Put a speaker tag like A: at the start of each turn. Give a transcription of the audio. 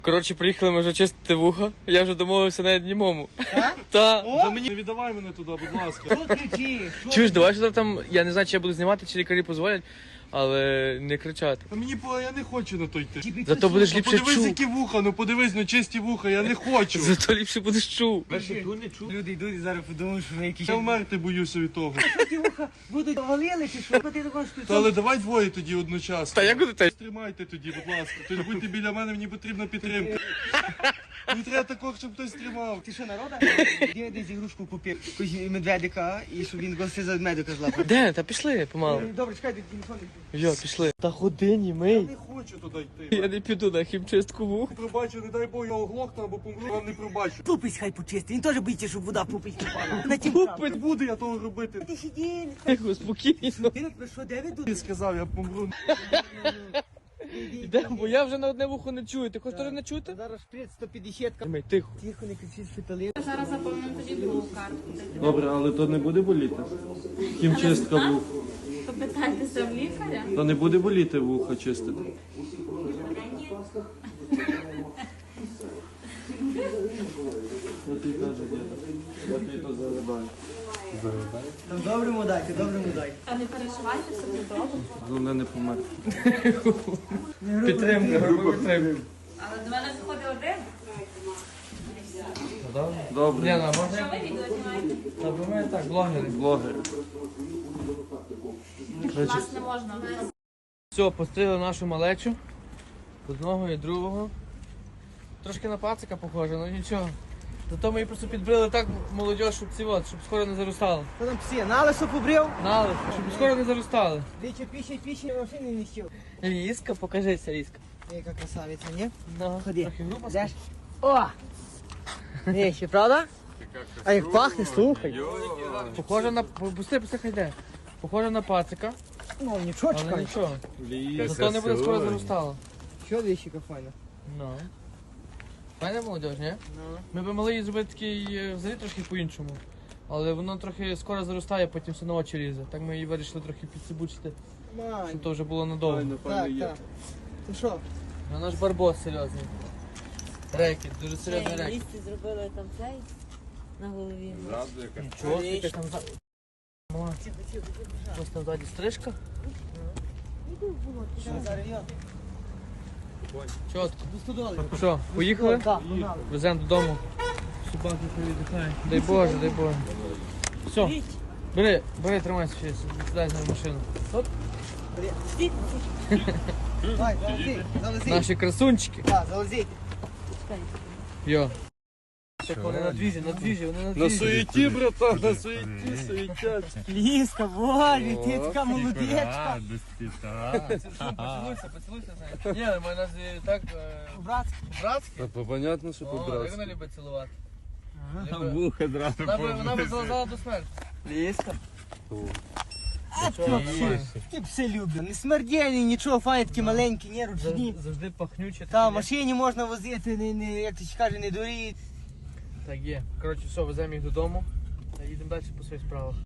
A: Коротше, приїхали ми вже чистити вуха. Я вже домовився навіть німому.
B: Так?
A: Та.
B: Та мені не віддавай мене туди, будь ласка.
C: Що кричиш?
A: Чуєш, давай що там, я не знаю, чи я буду знімати, чи лікарі дозволять, але не кричати.
B: Та мені я не хочу на той йти.
A: Зато будеш ліпше
B: Подивись,
A: чув.
B: які вуха, ну подивись, ну чисті вуха, я не хочу.
A: Зато ліпше будеш чув.
C: Люди йдуть і зараз подумають, що ви якісь...
B: Я вмерти боюся від того.
C: Що ті вуха будуть валили чи що? Ти також тут...
B: Та але давай двоє тоді одночасно.
A: Та як буде те?
B: Тримайте тоді, будь ласка. Тобто будьте біля мене, мені потрібна підтримка. Мені треба такого, щоб хтось тримав.
C: Ти що, народа? Я десь ігрушку купив, якусь медведика, і щоб він гостей за медведика злапав.
A: Де? Та пішли помалу.
C: Добре, чекай, ти телефон.
A: Йо, пішли. Та ходи, німий.
B: Не хочу туди йти.
A: Я не піду на хімчистку вух.
B: Пробачу, не дай Бог, я оглохну або помру, вам не пробачу.
C: Пупись хай почисти, він теж боїться, щоб вода пупись попала. На тім
B: Не буду я того робити.
C: Ти сиділи.
A: Тихо, спокійно.
C: Ти не що, де ви
B: Ти
C: тут?
B: сказав, я помру.
A: Йдемо, бо я вже на одне вухо не чую. Ти хочеш теж не чути?
C: Зараз шприц 150.
A: Німий, тихо.
C: Тихо, не кричіть, шпитали.
D: Зараз заповнимо тоді другу картку.
B: Добре, але то не буде боліти? Хімчистка вух.
D: Попитайтеся в лікаря.
B: То не буде боліти вуха чистити. Що ти кажеш, діда? Я тобі то зарибаю.
C: Доброму дайте, доброму дайте.
D: Та не переживайте, все буде добре.
B: Головне не померти.
A: Підтримка, грубо підтримка.
D: Але до мене заходить один.
B: Добре.
A: Лена,
D: Що
A: можна?
D: ви відео знімаєте?
A: Та бо ми так, блогери.
B: Блогери.
D: Вас не можна.
A: Все, постріли нашу малечу. Одного і другого. Трошки на пацика похоже, але нічого. Зато ми її просто підбрили так молодь, щоб щоб скоро не заростало.
C: Що там псі, на лисо побрив?
A: Налип, щоб скоро не заростали.
C: Двічі піші машини не сів.
A: Ліска, покажися, Ліска.
C: Яка красавиця, ні?
A: Ну,
C: Ходи.
A: трохи грубо.
C: Йдеш? О! Не, ще правда? А як пахне, слухай.
A: Похоже на... Пусти, хай йде. Похоже на пацика,
C: Ну, нічого,
A: але
C: чекай.
A: нічого. Зато не буде скоро заростало.
C: Що вещика файна?
A: Ну. Файна молодь, ні?
C: Ну.
A: Ми б могли її зробити такий взагалі трохи по-іншому. Але воно трохи скоро заростає, потім все на очі лізе. Так ми її вирішили трохи підсибучити,
C: Мань.
A: щоб то вже було надовго.
C: Так, так. Ти що?
A: Ну, наш барбос серйозний. Рекет, дуже серйозний рекет.
E: Лісті зробили там цей на голові.
A: Чого ти там за... Мала. Ось там ззаді стрижка.
C: Що зараз йо?
A: Чотко.
C: До $100.
A: Що, поїхали?
C: Так, погнали.
A: Веземо додому. Собаки віддихають. Дай Боже, дай Боже. Все, бери, тримайся ще, сідай на машину. От
C: Давай, залези.
A: наші красунчики.
C: Так, залези.
A: Йо. Так вони на двіжі, вони на
B: На
A: двіжі.
B: суеті, братан, на суеті, суетять.
C: Ліска, боже, ти така молодечка.
A: Поцілуйся, знаєш. Ні, ми нас так
C: Братська.
A: братські.
B: Та понятно, що
A: О, як
B: по-братськи.
A: вона любить цілувати.
B: Вуха зразу
A: Вона би залазала до смерті.
C: Ліска.
A: Чого, нормально.
C: Ти б все любив. Не смердєний, нічого, файні такі маленькі, не ручні.
A: Завжди пахнюче.
C: Та, в машині можна возити, як ти каже, не дурі.
A: Так є. Коротше, все, веземо їх додому та їдемо далі по своїх справах.